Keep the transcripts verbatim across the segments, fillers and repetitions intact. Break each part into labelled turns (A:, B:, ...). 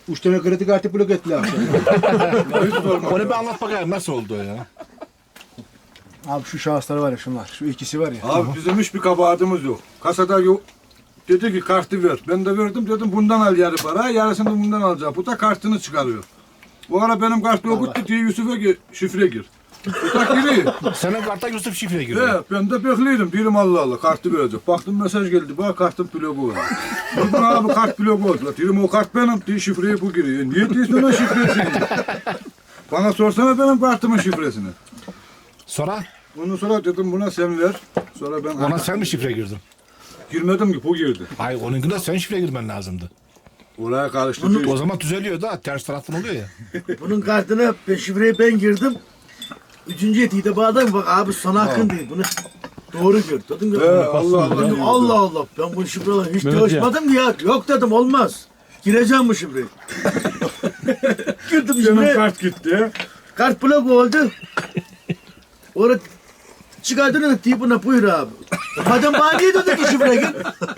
A: Üç tane kredi kartı blok ettiler.
B: Onu bir anlat bakayım nasıl oldu o ya?
A: Abi şu şahıslar var ya şunlar. Şu ikisi var ya.
C: Abi bizim hiçbir kabahatimiz yok. Kasada yok. Dedi ki kartı ver. Ben de verdim dedim bundan al yarı para. Yarısını bundan alacak. Bu da kartını çıkarıyor. Bu ara benim kart okuttu diye Yusuf'a gir, şifre gir. Bu da giriyor.
B: Senin kartta Yusuf şifre giriyor.
C: He, ben de bekliyordum. Diyorum Allah Allah kartı verecek. Baktım mesaj geldi. Bak kartın bloku var. Dedim abi kart bloku oldu. Diyorum o kart benim diye şifreyi bu giriyor. Niye diyorsun ona şifresini? Bana sorsana benim kartımın şifresini.
B: Sonra
C: Ondan sonra dedim buna sen ver. Sonra ben
B: ona sen mi şifre girdin?
C: girmedim ki bu girdi.
B: Hayır onunkine sen şifre girmen lazımdı.
C: Oraya karıştı.
B: O zaman düzeliyor da ters taraftan oluyor ya.
D: Bunun kartına ben şifreyi ben girdim. Üçüncü etiği bağladım. Bak abi sana hakkın değil. Bunu doğru gör. Dedim
C: He,
D: ya.
C: Allah Allah.
D: Dedim, Allah Allah. Ben bu şifreyle hiç çalışmadım ki ya. Yok dedim olmaz. Gireceğim bu şifreyi. Girdim
C: Benim
D: şifreye.
C: kart gitti.
D: Kart blok oldu. Orada çıkardığını da deyip buna buyur abi. Madem bana niye dedi ki şifre gir?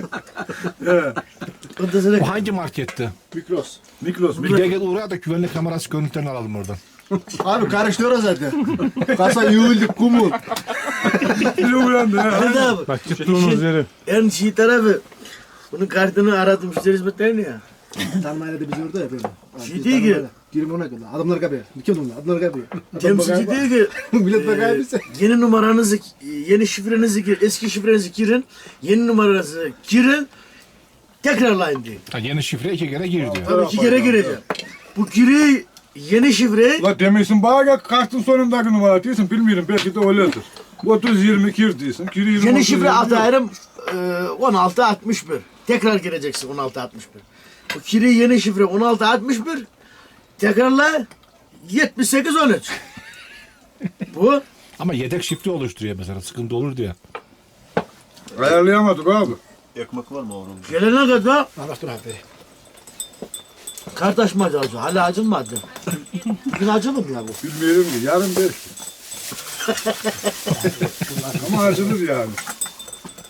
C: He.
D: Ondan sonra
B: Bu hangi marketti?
A: Mikros.
C: Mikros.
B: Bir gel gel uğraya da güvenlik kamerası görüntülerini alalım oradan.
A: Abi karıştırıyor zaten. Kasa yığıldık kumul.
C: Bir uyandı. he.
D: Hadi abi.
E: Bak çıktığınız yeri.
D: En şey tarafı. Bunun kartını aradım müşteri hizmetlerini ya.
A: Tanrı'yla da biz orada yapıyoruz.
D: Şey değil ki.
A: Girim ona kadar. Adamlar kapıyor. Kim onlar? Adamlar kapıyor.
D: Temsilci diyor ki
A: Millet bakar
D: e,
A: mısın?
D: yeni numaranızı, yeni şifrenizi gir, eski şifrenizi girin, yeni numaranızı girin, tekrarlayın diyor.
B: Ha, yeni şifre iki kere gir diyor.
D: Tabii iki kere gireceğim. Bu giri yeni şifreyi
C: La demişsin bana gel kartın sonundaki numara diyorsun bilmiyorum belki de öyledir. otuz yirmi gir diyorsun. Gir yirmi,
D: yeni
C: otuz,
D: şifre
C: yirmi.
D: atarım e, on altı altmış bir. Tekrar gireceksin on altı altmış bir. Bu giri yeni şifre on altı altmış bir. Tekrarla yetmiş sekiz on üç. Bu
B: Ama yedek şifre oluşturuyor mesela sıkıntı olur diye.
C: Ayarlayamadık abi.
F: Ekmek var mı oğlum?
D: gelene kadar
A: Anlaştır abi.
D: kart açmayacağız. Hala açılmadı. Bugün açılır mı ya bu?
C: Bilmiyorum ki yarın belki. Ama açılır yani.